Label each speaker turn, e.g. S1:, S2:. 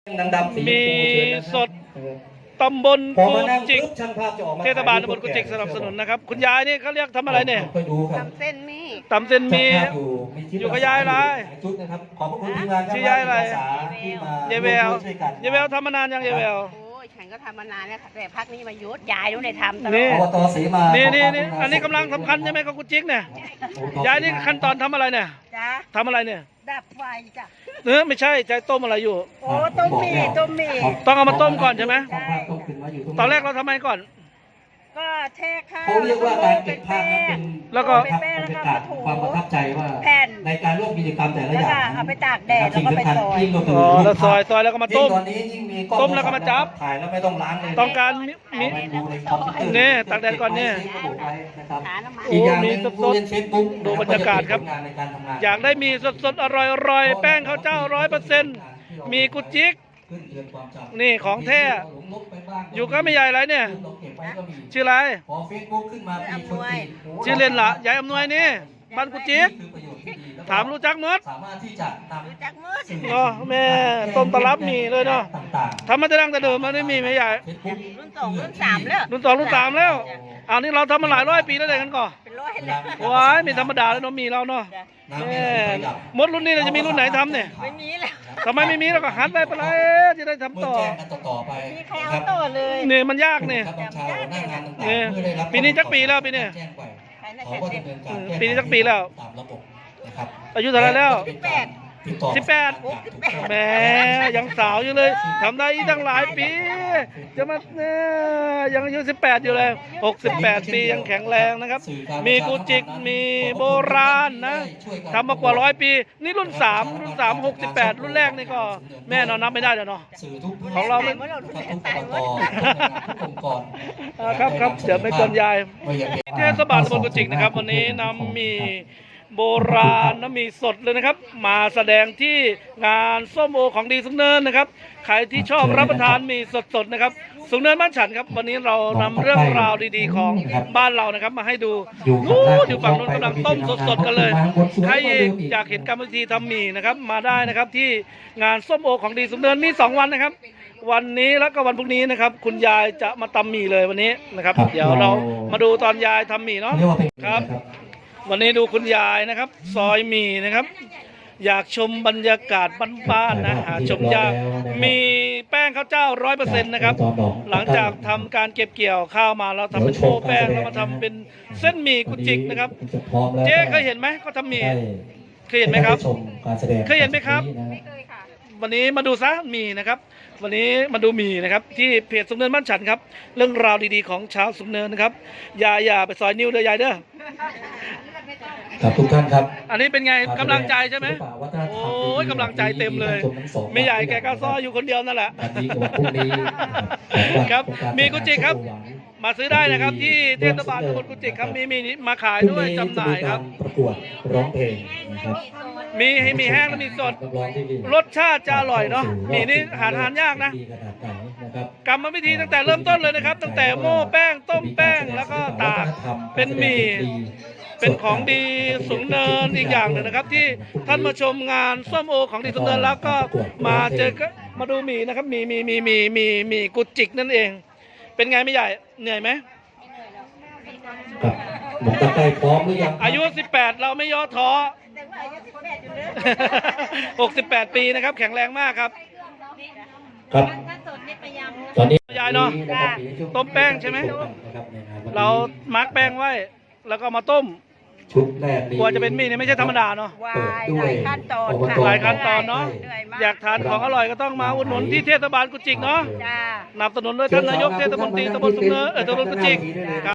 S1: มีสดตำบลกุจิกเทศบาลตำบลกุจิกสนับสนุนนะครับคุณยายนี่เขาเรียกทำอะไรเนี่ย
S2: ตำเส้นมี
S1: ตำเส้นมีอยู่กับยายอะไรชื่อยายอะไรยายแววยายแววทำมานานยังยายแวว
S2: โอ้ยฉันก็ทำมานานแล้วแต่พักนี้มายุดยายรู้ได้ทำตลอด
S1: นี่อันนี้กำลังสำคัญใช่ไหมของกุจิกเนี่ยยายนี่ขั้นตอนทำอะไรเนี่ยทำอะไรเนี่ย
S2: ดับไฟจ้ะ
S1: ไม่ใช่ใจต้มอะไรอยู่
S2: โอ้ต้มหมี่
S1: ต้องเอามาต้มก่อนใช่ไหมตอนแรกเราทำไมก่อน
S2: ก็แช่ข้าว
S3: เขาเรียกว่าการเก็บภาพนั้นเป็น
S1: แล้วก็
S3: บรรยากาศความประทับใจว่าในการร่วมกิจกรรมแต่ละอย่าง
S2: เอาไปตากแดดแล้วก็ไปซอย
S1: แล้วซอยแล้วก็มาต้มต้มแล้วก็มาจับ
S3: ถ่ายแล้วไม่ต้องล้างเลย
S1: ต้องการมีเนี่ยตากแดดก่อนเนี่ย
S3: อีกอย่างนึงดูในเฟซบุ๊ก
S1: ดูบรรยากาศครับอยากได้มีสดอร่อยแป้งข้าวเจ้า100%มีกุจิกนี่ของแท้อยู่ก็ไม่ใหญ่ไรเนี่ยชื่ออะไรชื่อเล่นละยายอำนวยนี่บ้านกุจิกถามรู้จักมดก็แม่ต้มตลับมีเลยเนาะทำมาแต่ดั้งแต่เดิมมันไม่มีไม่ใหญ่
S2: รุ่น 2 รุ่น 3แล้ว
S1: รุ่น 2 รุ่น 3แล้วอันนี้เราทำมาหลายร้อยปีแล้วเด็กกันก่อน
S2: เป็นร้อยแล้ว
S1: ว้ายไม่ธรรมดาแล้วเนาะมีเราเนาะมดรุ่นนี้เราจะมีรุ่นไหนทำเนี่ย
S2: ไม่มีแล้ว
S1: ทำไมไม่มีเราก็หันไปไปเลยจะได้ทำต่อ
S2: มีใครเอาต่อเลย
S1: เนี่ยมันยากเนี่ยปีนี้จักปีแล้วปีนี้ปีนี้จักปีแล้วอายุเท่าไรแล้ว18แหมยังสาวอยู่เลยทำได้อีกตั้งหลายปีจะมายังอายุ18อยู่เลย68 ปียังแข็งแรงนะครับมีกุจิกมีโบราณนะทำมากว่า100 ปีนี่รุ่น3 68รุ่นแรกนี่ก็แม่นอนนับไม่ได้แล้วเนาะของเราไม่ครับเดี๋ยวไม่กวนยายเทศบาลตำบลกุจิกนะครับวันนี้นำมีโบราณน้ำมีสดเลยนะครับมาแสดงที่งานส้มโอของดีสูงเนินนะครับใครที่ชอบรับประทานมีสดนะครับสูงเนินบ้านฉันครับวันนี้เรานำเรื่องราวดีๆของบ้านเรานะครับมาให้ดูอยู่ฝั่งนู้นกำลังต้มสดๆกันเลยใครอยากเห็นกรรมวิธีทำหมี่นะครับมาได้นะครับที่งานส้มโอของดีสูงเนินมี2 วันนะครับวันนี้แล้วก็วันพรุ่งนี้นะครับคุณยายจะมาตำหมี่เลยวันนี้นะครับเดี๋ยวเรามาดูตอนยายทำหมี่เนาะครับวันนี้ดูคุณยายนะครับซอยหมี่นะครับอยากชมบรรยากาศบ้านๆนะหาชมยากมีแป้งข้าวเจ้า100%นะครับหลังจากทำการเก็บเกี่ยวข้าวมาเราทำเป็นโชว์แป้งแล้วมาทำเป็นเส้นหมี่กุจิกนะครับเจ๊เคยเห็นไหมเขาทำหมี่เคยเห็นไหมครับเคยเห็นไหมครับ
S2: ไม่เคยค่ะ
S1: วันนี้มาดูซะหมี่นะครับวันนี้มาดูหมี่นะครับที่เพจสูงเนินบ้านฉันครับเรื่องราวดีๆของชาวสูงเนินนะครับอย่าไปซอยนิ้วเด้อยายเด้อ
S3: ครับทุกท่านครับ
S1: อันนี้เป็นไงกำลังใจใช่ไหมโอ้ยกำลังใจเต็มเลยไม่ใหญ่แกก็ซ้ออยู่คนเดียวนั่นแหละครับมีกุจิกครับมาซื้อได้นะครับที่เทศบาลตำบลกุจิกครับมีมาขายด้วยจำหน่ายครับ
S3: ประกวดร้องเพลงนะครับ
S1: มีแห้งและมีสดรสชาติจะอร่อยเนาะมีนี่หายากนะกรรมวิธีตั้งแต่เริ่มต้นเลยนะครับตั้งแต่โม่แป้งต้มแป้งแล้วก็ตากเป็นหมี่เป็นของดีสูงเนินอีกอย่างหนึ่งนะครับที่ท่านมาชมงานส้มโอของดีสูงเนินแล้วก็มาเจอก็มาดูหมี่นะครับมีกุจิกนั่นเองเป็นไงไม่ใหญ่เหนื่อยไหม
S3: หนุ่มตะไคร้พร้อมหรือยัง
S1: อายุ18เราไม่ย่อท้อ68 ปีนะครับแข็งแรงมากครับ
S3: ครับตอนนี้
S1: ยายเนาะต้มแป้งใช่ไหมเรามาร์กแป้งไว้แล้วก็มาต้ม
S3: ชุดแรก
S1: กว่าจะเป็นหมี่เนี่ยไม่ใช่ธรรมดาเนาะ
S2: หลายขั้นตอน
S1: หลายขั้นตอนเนาะอยากทานของอร่อยก็ต้องมาอุดหนุนที่เทศบาลกุจิกเนาะนำสนุนโดยท่านนายกเทศมนตรีตำบลสูงเนินตำบลกุจิก